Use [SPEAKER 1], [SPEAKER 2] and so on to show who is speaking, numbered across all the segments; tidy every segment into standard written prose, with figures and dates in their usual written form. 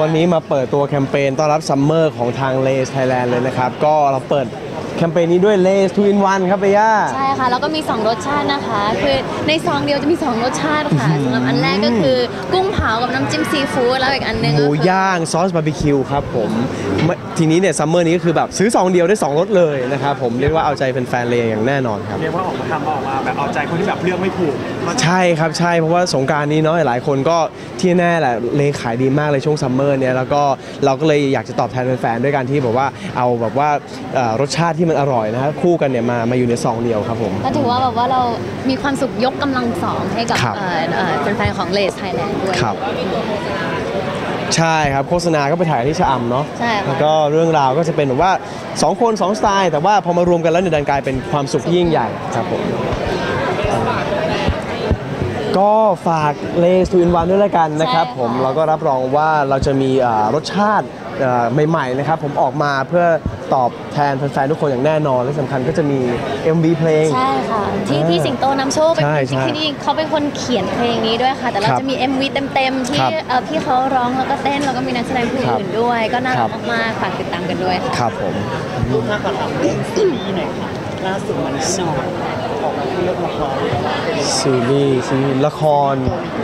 [SPEAKER 1] วันนี้มาเปิดตัวแคมเปญต้อนรับซัมเมอร์ของทางเลสไทยแลนด์เลยนะครับก็เราเปิดแคมเปญนี้ด้วยเลส2 in 1ครับเบย่า
[SPEAKER 2] ใช่ค่ะแล้วก็มี2รสชาตินะคะคือในซองเดียวจะมี2รสชาติค่ะสำหรับอันแรกก็คือกุ้งเผากับน้ำจิ้มซีฟู้ดแล้วอีกอันนึง
[SPEAKER 1] หมูย่างซอสบาร์บีคิวครับผมทีนี้เนี่ยซัมเมอร์นี้ก็คือแบบซื้อซองเดียวได้2รสเลยนะครับผมเรียกว่าเอาใจแฟนๆเลยอย่างแน่นอนครับ
[SPEAKER 3] เรียกว่าออกมาแบบเอาใจคนที่แบบเลือกไม่ถูก
[SPEAKER 1] ใช่ครับใช่เพราะว่าสงกรานต์นี้เนาะหลายคนก็ที่แน่แหละเลขายดีมากเลยช่วงซัมเมอร์เนี่ยแล้วก็เราก็เลยอยากจะตอบแทนแฟนๆด้วยการที่แบบว่าเอาแบบว่ารสชาติที่มันอร่อยนะฮะคู่กันเนี่ยมาอยู่ในซองเดียวครับผม
[SPEAKER 2] ก็ถือว่าแบบว่าเรามีความสุขยกกำลังสองให้กับแฟนๆของเลสไทยแลนด์ด้วย
[SPEAKER 1] ครับใช่ครับโฆษณาก็ไปถ่ายที่ชะอำเนาะ
[SPEAKER 2] ใช่
[SPEAKER 1] แล้วก็เรื่องราวก็จะเป็นแบบว่า2 คน 2 สไตล์แต่ว่าพอมารวมกันแล้วเนี่ยดันกลายเป็นความสุขที่ยิ่งใหญ่ครับผมก็ฝากเลส2 in 1ด้วยละกันนะครับผมเราก็รับรองว่าเราจะมีรสชาติใหม่ๆนะครับผมออกมาเพื่อตอบแทนแฟนๆทุกคนอย่างแน่นอนและสำคัญก็จะมี MV เพลง
[SPEAKER 2] ใช่ค่ะที่พี่สิงโตนำโชคเป็นจริงที่เขาเป็นคนเขียนเพลงนี้ด้วยค่ะแต่เราจะมี MV เต็มๆที่พี่เขาร้องแล้วก็เต้นแล้วก็มีนักแสดงผู้อื่นด้วยก็น่ารักมากๆฝากติดตามกันด้วยค่ะ
[SPEAKER 1] ครับผม
[SPEAKER 3] รูปหน้าก่อนครับซีรีส์หน่อยค่ะล่าสุดมันแน่นอนออกมาเรื่องละคร
[SPEAKER 1] ซีรีส์ละคร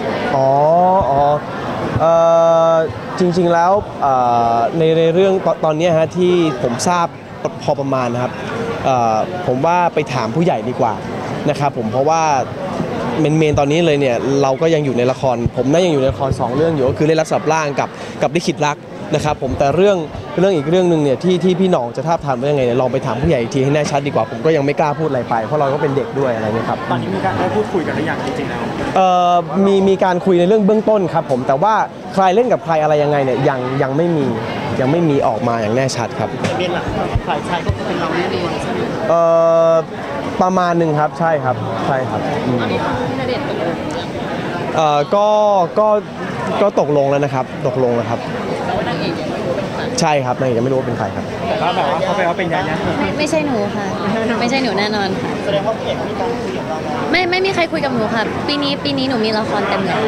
[SPEAKER 1] จริงๆแล้วในเรื่องตอนนี้ฮะที่ผมทราบพอประมาณนะครับผมว่าไปถามผู้ใหญ่ดีกว่านะครับผมเพราะว่าเมนตอนนี้เลยเนี่ยเราก็ยังอยู่ในละครผมน่ายังอยู่ในละคร2 เรื่องอยู่ก็คือเล่นรักสับล่างกับลิขิตรักนะครับผมแต่เรื่องอีกเรื่องนึงเนี่ยที่พี่หน่องจะทาบทามว่ายังไงเนี่ยลองไปถามผู้ใหญ่อีกทีให้แน่ชัดดีกว่าผมก็ยังไม่กล้าพูดอะไรไปเพราะเราก็เป็นเด็กด้วยอะไรเงี้ยครับ
[SPEAKER 3] ตอนนี้มีการได้พูดคุยกันหรือยังจริงๆแล้ว
[SPEAKER 1] มีการคุยในเรื่องเบื้องต้นครับผมแต่ว่าใครเล่นกับใครอะไรยังไงเนี่ยยังไม่มีออกมาอย่างแน่ชัดครับ
[SPEAKER 3] เรียนหลักฝ่ายชายก็เป็นเราแน่นอนใช่ไหม
[SPEAKER 1] ประมาณหนึ่งครับใช่ครับก็ตกลงแล้วนะครับตกลงแล้วครับใช่ครับนางเอกยังไม่รู้ว่าเป็นใครครับ
[SPEAKER 3] แต่ก็แบบว่าเขาไปว่าเป็นยาย่า
[SPEAKER 2] ไม่ใช่หนูค่ะไม่ใช่หนูแน่นอนค่ะ
[SPEAKER 3] แสดงว่าพี่เอกมีการคุยกับเรา
[SPEAKER 2] ไม่มีใครคุยกับหนูค่ะปีนี้หนูมีละครเต็มเลย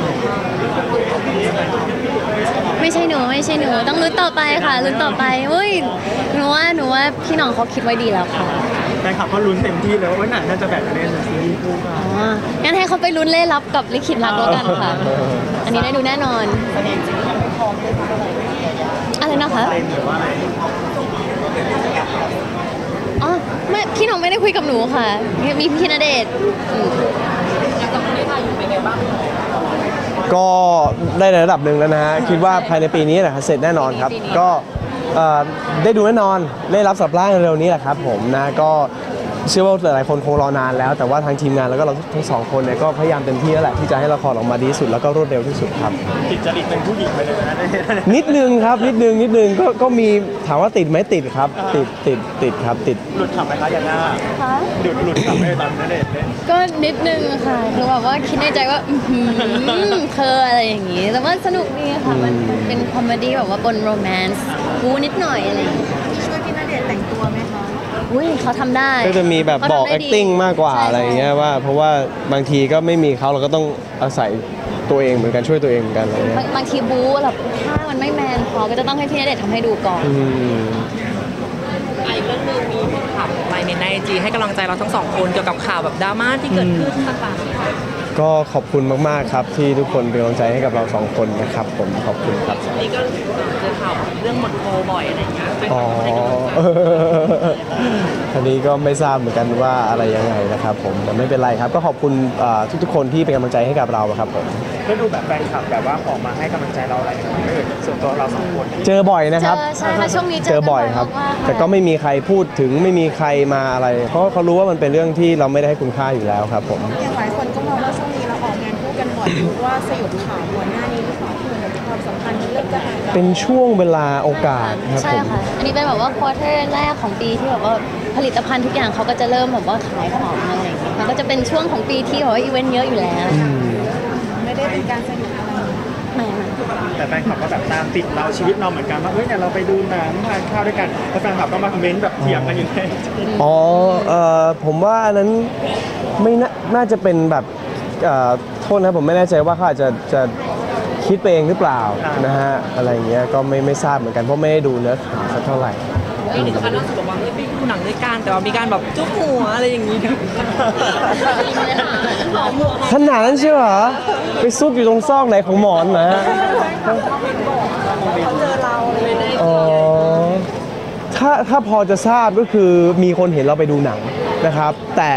[SPEAKER 2] ไม่ใช่หนูต้องลุ้นต่อไปค่ะลุ้นต่อไปเฮ้ยหนูว่าพี่น้องเขาคิดไว้ดีแล้วค่ะ
[SPEAKER 3] แฟนคลับก็ลุ้นเต็มที่เลยว่าหนังน่าจะแบบเล่นซีรีส์คู่กัน
[SPEAKER 2] งั้นให้เขาไปลุ้นเล่รับกับลิขิตรักแล้วกันค่ะอันนี้ได้ดูแน่นอนอะไรนะคะอ๋อไม่พี่น้องไม่ได้คุยกับหนูค่ะมีพี่ณเดชน์กับพี่ทาอยู่เป็นไงบ้าง
[SPEAKER 1] ก็ได้ในระดับหนึ่งแล้วนะฮะคิดว่าภายในปีนี้แหละเสร็จแน่นอนครับก็ได้ดูแน่นอนได้รับสับล่างเร็วนี้แหละครับผมนะก็เชื่อว่าหลายคนคงรอนานแล้วแต่ว่าทางทีมงานแล้วก็เราทั้ง2 คนเนี่ยก็พยายามเต็มที่แล้วแหละที่จะให้ละครออกมาดีที่สุดแล้วก็รวดเร็วที่สุดครับ
[SPEAKER 3] ติดจริตเป็นผู้หญิงไปเลยนะ
[SPEAKER 1] นิดนึงครับนิดนึงก็มีถามว่าติดไหมติดครับติดครับติด
[SPEAKER 3] หลุดขำไหมคะยาย่าหลุดขำไหมตอนนั้นเล่น
[SPEAKER 2] ก็นิดนึงค่ะคือแบบว่าคิดในใจว่าเธออะไรอย่างงี้แต่ว่าสนุกดีค่ะมันเป็นคอมเมดี้แบบว่าบนโรแมนต์บูนิดหน่อยอะไรอย่างเงี้ย
[SPEAKER 4] ช่วยพี่ณเดชน์แต่งตัวไหมคะ
[SPEAKER 2] อุ้ยเขาทำได้
[SPEAKER 1] ก็จะมีแบบบอก acting มากกว่าอะไรอย่างเงี้ยว่าเพราะว่าบางทีก็ไม่มีเขาเราก็ต้องอาศัยตัวเองเหมือนกันช่วยตัวเองเหมือนกันอะไรเงี้ย
[SPEAKER 2] บางทีบู๊แบบถ้ามันไม่แมนพอก็จะต้องให้พี่ณเดชน์ทำให้ดูก่อน
[SPEAKER 4] อีกเรื่องนึงมีข่าวไปในIGให้กำลังใจเราทั้ง2 คนเกี่ยวกับข่าวแบบดราม่าที่เกิดขึ้นต่างๆ
[SPEAKER 1] ก็ขอบคุณมากๆครับที่ทุกคนเป็นกำลังใจให้กับเรา2 คนนะครับผมขอบคุณครับ
[SPEAKER 4] นี่ก็เจอข่าวเรื่องหมดโคบ่อยอะไรอย่างเงี้ย
[SPEAKER 1] อันนี้ก็ไม่ทราบเหมือนกันว่าอะไรยังไงนะครับผมแต่ไม่เป็นไรครับก็ขอบคุณทุกๆคนที่เป็นกำลังใจให้กับเราครับผม
[SPEAKER 3] ก็ดูแบบแฟนคลับแบบว่าออกมาให้กำลังใจเราอะไรกันไม่เอ่ยส่วนตัวเรา2 คน
[SPEAKER 1] เจอบ่อยนะครับ
[SPEAKER 2] ใช่ค่ะช่วงนี้
[SPEAKER 1] เจอบ่อยครับแต่ก็ไม่มีใครพูดถึงไม่มีใครมาอะไรเพราะเขารู้ว่ามันเป็นเรื่องที่เราไม่ได้ให้คุณค่าอยู่แล้วครับผม
[SPEAKER 4] อย่างหลายคนก็มองว่าช่วงนี้เราออกงานคู่กันบ่อยว่าสยบข่าวก่อนหน้านี้หรือเปล่าคือความสัมพันธ์เริ่มจะหาย
[SPEAKER 1] เป็นช่วงเวลาโอกาสครับ
[SPEAKER 2] ใช่ค่ะอันนี้เป็นแบบว่าควอเตอร์แรกของปีที่แบบว่าผลิตภัณฑ์ทุกอย่างเขาก็จะเริ่มแบบว่าขายของอะไรอย่างเงี้ยมันก็จะเป็นช่วงของปีที่แบบว่าอีเวนต์เยอะอยู่แล้ว
[SPEAKER 4] ไม่ได้เป็นการสนิทอะไร
[SPEAKER 2] ไม่
[SPEAKER 3] แต่แฟนคลับก็แบบตามติดเราชีวิตเราเหมือนกันว่าเนี่ยเราไปดูหนังทานข้าวด้วยกันแล้วแฟนคลับก็มาคอมเมนต์แบบเถียงกันอยู่เลย
[SPEAKER 1] ผมว่าอันนั้นไม่น่าจะเป็นแบบโทษนะผมไม่แน่ใจว่าเขาอาจจะคคิดไปเองหรือเปล่านะฮะอะไรอย่างเงี้ยก็ไม่ทราบเหมือนกันเพราะไม่ได้ดูเนื้อข่าวสักเท่าไหร่
[SPEAKER 5] มีถึงขั้นล่าสุดบอกว่าไม่ดูหนังด้วยกันแต่ว่ามีการแบบจุ๊บหัวอะไรอย่างนี้ด้วย
[SPEAKER 1] ขนาดนั้นใช่เหรอไปซุกอยู่ตรงซอกไหนของหมอนนะฮะ
[SPEAKER 5] เขาเจอเราเลยได้
[SPEAKER 1] อ๋อถ้าพอจะทราบก็คือมีคนเห็นเราไปดูหนังนะครับ แต่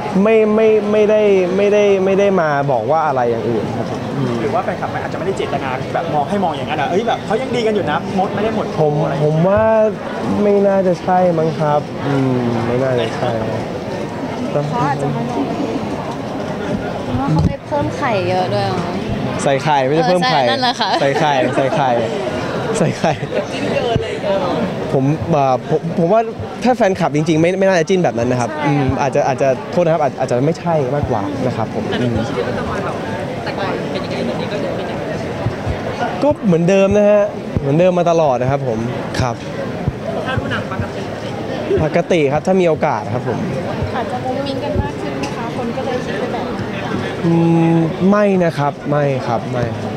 [SPEAKER 1] ไม่ได้มาบอกว่าอะไรอย่างอื่นครับผม
[SPEAKER 3] หรือว่าแฟนคลับมันอาจจะไม่ได้เจตนาแบบมองให้มองอย่างนั้นเอ้ยแบบเขายังดีกันอยู่นะมดไม่ได้หมด
[SPEAKER 1] ผมว่าไม่น่าจะใช่มั้งครับไม่น่าจะใช่
[SPEAKER 4] เขาอาจจะมาลอง
[SPEAKER 2] ว่าเขาไปเพิ่มไข่เยอะด้วยมั้ง
[SPEAKER 1] ใส่ไข่ไม่ใช่เพิ่มไข่
[SPEAKER 2] ใช่นั่นแหละค่ะ
[SPEAKER 1] ใส่ไข่ใส่ไข่ใส่ไข่ผมว่าถ้าแฟนคลับจริงๆไม่น่าจะจิ้นแบบนั้นนะครับอาจจะโทษนะครับอาจจะไม่ใช่มากกว่านะครับผม
[SPEAKER 5] แต่ในชีวิตประจำวันแบบแต่ก่อนเป็นยังไงตอนนี้ก็ยังเป็นอย่างนั้น
[SPEAKER 1] ก็เหมือนเดิมนะฮะเหมือนเดิมมาตลอดนะครับผมครับ
[SPEAKER 5] ถ้าดูหนังปกติ
[SPEAKER 1] ปกติครับถ้ามีโอกาสครับผม
[SPEAKER 4] อาจจะมุ้งมิ้งกันมากขึ้นไหมคะคนก็เลยคิดไปแบบนั้น
[SPEAKER 1] ไม่นะครับไม่ครับไม่ครับ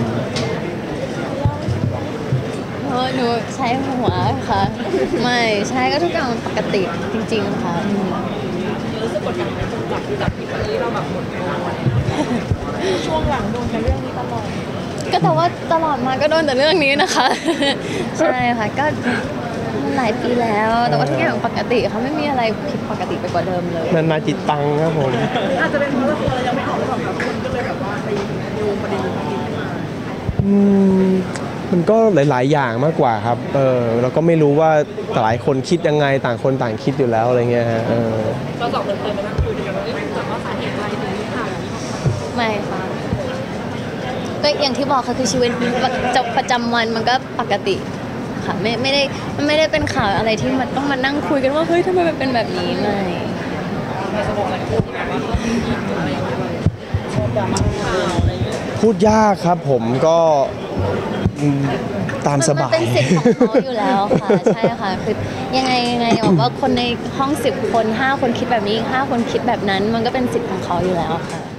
[SPEAKER 2] หนูใช้หัวค่ะ ไม่ใช่ก็ทุกอย่างมันปกติจริงๆค่ะ
[SPEAKER 5] รู้สึกกดดันไหมจากที่วันนี้เราแบบหมดโมง
[SPEAKER 4] ช่วงหลังโดนแต่เรื่องนี้ตลอด
[SPEAKER 2] ก็แต่ว่าตลอดมาก็โดนแต่เรื่องนี้นะคะ ใช่ค่ะก็มันหลายปีแล้ว แต่ว่าทุกอย่างปกติเขาไม่มีอะไรผิดปกติไปกว่าเดิมเลย
[SPEAKER 1] นานาจิตตังครับผม
[SPEAKER 5] อาจจะเป็นเพราะละครเรายังไม่ออกหรือเปล่าครับคนก็เลยแบบว่าไปโยงประเด็นนี้ขึ้นมา
[SPEAKER 1] มันก็หลาย ๆ อย่างมากกว่าครับเราก็ไม่รู้ว่าหลายคนคิดยังไงต่างคนต่างคิดอยู่แล้วอะไรเงี้ยฮะ
[SPEAKER 5] เราสองคนเคยมานั่งคุยกันว่าจากว่าสาเหตุอะไรถึงมีข่าวนี้
[SPEAKER 2] ไม่ค่ะก็อย่างที่บอกค่ะคือชีวิตประจำวันมันก็ปกติค่ะไม่ได้เป็นข่าวอะไรที่มันต้องมานั่งคุยกันว่าเฮ้ยทำไมมันเป็นแบบนี้ไม่
[SPEAKER 1] พูดยากครับผมก็ตามสบาย
[SPEAKER 2] มันเป็นสิทธิ์ของเขาอยู่แล้วค่ะ ใช่ค่ะคือยังไงบอกว่าคนในห้อง10 คน5 คนคิดแบบนี้อีก5 คนคิดแบบนั้น มันก็เป็นสิทธิ์ของเขาอยู่แล้วค่ะ